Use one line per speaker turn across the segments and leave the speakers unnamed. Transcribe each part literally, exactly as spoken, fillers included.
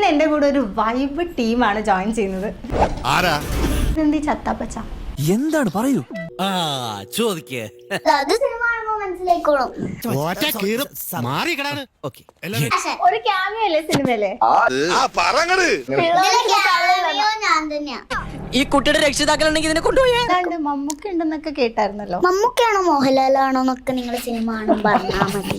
ഇന്ന് എന്റെ കൂടെ ഒരു വൈബ് ടീമാണ് ജോയിൻ ചെയ്യുന്നത്.
ആരാ?
ഇതെന്തി ചത്താപ്പച്ച?
എന്താണ് പറയൂ?
ആ ചോദിക്കേ.
അത് സിനിമ കാണുമ്പോ മനസ്സിലായിക്കോളും.
ഒരു ക്യാമിയോ അല്ലേ സിനിമയിലെ?
ഞാൻ തന്നെയാ.
ഈ കുട്ടിയുടെ രക്ഷിതാക്കളുണ്ടെങ്കിൽ ഇതിനെ കൊണ്ടുപോയേ.
അതാണ്ട് മമ്മൂക്ക ഉണ്ടെന്നൊക്കെ കേട്ടായിരുന്നല്ലോ.
മമ്മൂക്കാണോ മോഹൻലാലാണോ എന്നൊക്കെ നിങ്ങൾ സിനിമ കാണുമ്പോ പറഞ്ഞാ മതി.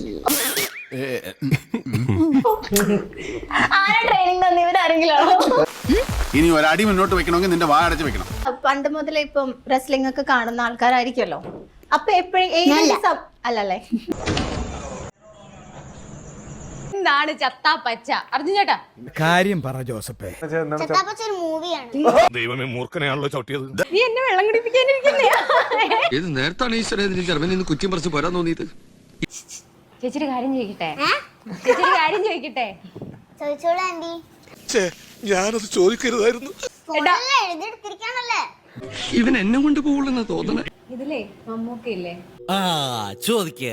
ആരാ ട്രെയിനിങ് തന്നെ? ഇവരാരെങ്കിലും ആണോ?
ഇനി ഒരടി മുന്നോട്ട് വെക്കണമെങ്കിൽ നിന്റെ വാ അടച്ച് വെക്കണം.
പണ്ട് മുതലേ ഇപ്പം റെസ്ലിംഗ് ഒക്കെ കാണുന്ന ആൾക്കാരായിരിക്കുമല്ലോ. അപ്പൊ എപ്പോഴും അല്ലല്ലേ?
എന്താണ് ചത്താപ്പച്ച? അർജുൻ ചേട്ടാ
കാര്യം പറ ജോസഫേ.
ചത്താപ്പച്ച ഒരു മൂവിയാണ്.
ദൈവമേ, മൂർഖനെയാണല്ലോ ചവിട്ടിയത്.
നീ എന്നെ വെള്ളം കുടിപ്പിക്കാനിരിക്കുന്നേ.
ഇത് നേരത്താണ് ഈശ്വരൻ ജർമ്മനിൽ നിന്ന് കുറ്റം പറിച്ച് പോരാൻ തോന്നിയത്.
ചേച്ചിയുടെ കാര്യം ചോദിക്കട്ടെ? ചേച്ചിയുടെ കാര്യം ചോദിക്കട്ടെ?
ചോദിച്ചോളൂ ആന്റി.
ഞാനത് ചോദിക്കരുതായിരുന്നു.
ഫോണിലല്ലേ എഴുതിയെടുത്തിരിക്കാണല്ലേ.
ഇവൻ എന്നെ കൊണ്ട് പോകുള്ളെന്നാ തോന്നണേ.
ഇതിലേ മമ്മൂക്കയില്ലേ?
ആ ചോദിക്കേ.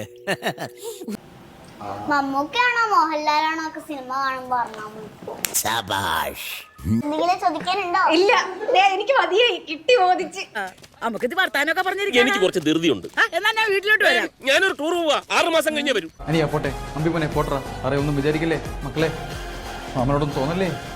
മമ്മൂക്കാണോ മോഹൻലാലാണോ ഒക്കെ സിനിമ കാണുമ്പോ പറഞ്ഞാ മതി. എന്തെങ്കിലും ചോദിക്കാനുണ്ടോ?
ഇല്ല, ദേ എനിക്ക് മതിയായി, കിട്ടി ബോധിച്ച്.
നമുക്കിത് വർത്താനൊക്കെ പറഞ്ഞിരിക്കും.
എനിക്ക് കുറച്ച് ധൃതിയുണ്ട്.
എന്നാ ഞാൻ വീട്ടിലോട്ട് വരാം.
ഞാനൊരു ടൂർ പോവാ, ആറു മാസം കഴിഞ്ഞേ വരും.
അനിയാ പോട്ടെ, അമ്പിപ്പനെ പോട്ടറ. അറിയ ഒന്നും വിചാരിക്കില്ലേ മക്കളെ, മാമനോടൊന്നും തോന്നല്ലേ.